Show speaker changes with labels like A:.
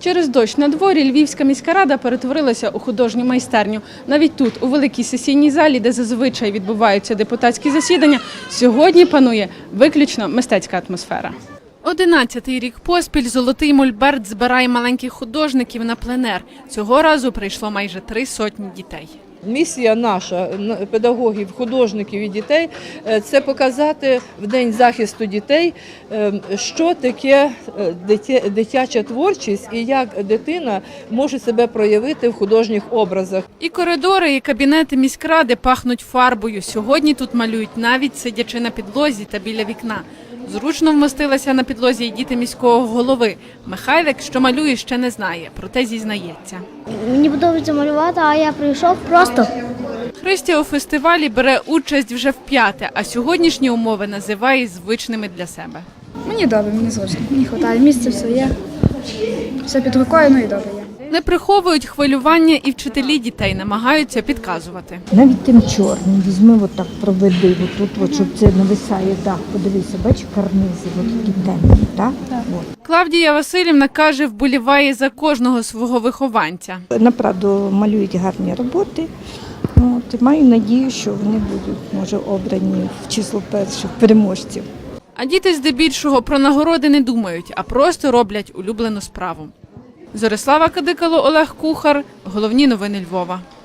A: Через дощ на дворі Львівська міська рада перетворилася у художню майстерню. Навіть тут, у великій сесійній залі, де зазвичай відбуваються депутатські засідання, сьогодні панує виключно мистецька атмосфера. 11-й рік поспіль «Золотий мольберт» збирає маленьких художників на пленер. Цього разу прийшло майже 300 дітей.
B: Місія наша, педагогів, художників і дітей – це показати в День захисту дітей, що таке дитяча творчість і як дитина може себе проявити в художніх образах.
A: І коридори, і кабінети міськради пахнуть фарбою. Сьогодні тут малюють навіть сидячи на підлозі та біля вікна. Зручно вмостилася на підлозі і діти міського голови. Михайлик, що малює, ще не знає, проте зізнається.
C: Мені подобається малювати, а я прийшов просто.
A: Христя у фестивалі бере участь вже вп'яте, а сьогоднішні умови називає звичними для себе.
D: Мені добре, мені зручно. Мені вистачає, місце все є, все під рукою, ну і добре є.
A: Не приховують хвилювання і вчителі дітей, намагаються підказувати.
E: Навіть тим чорним візьми, отак проведи, отут, щоб це нависає дах. Подивися, бачиш, карнизи, такі темні, так?
A: Клавдія Василівна каже, вболіває за кожного свого вихованця.
E: Направду малюють гарні роботи. І маю надію, що вони будуть, може, обрані в число перших переможців.
A: А діти здебільшого про нагороди не думають, а просто роблять улюблену справу. Зорислава Кадикало, Олег Кухар. Головні новини Львова.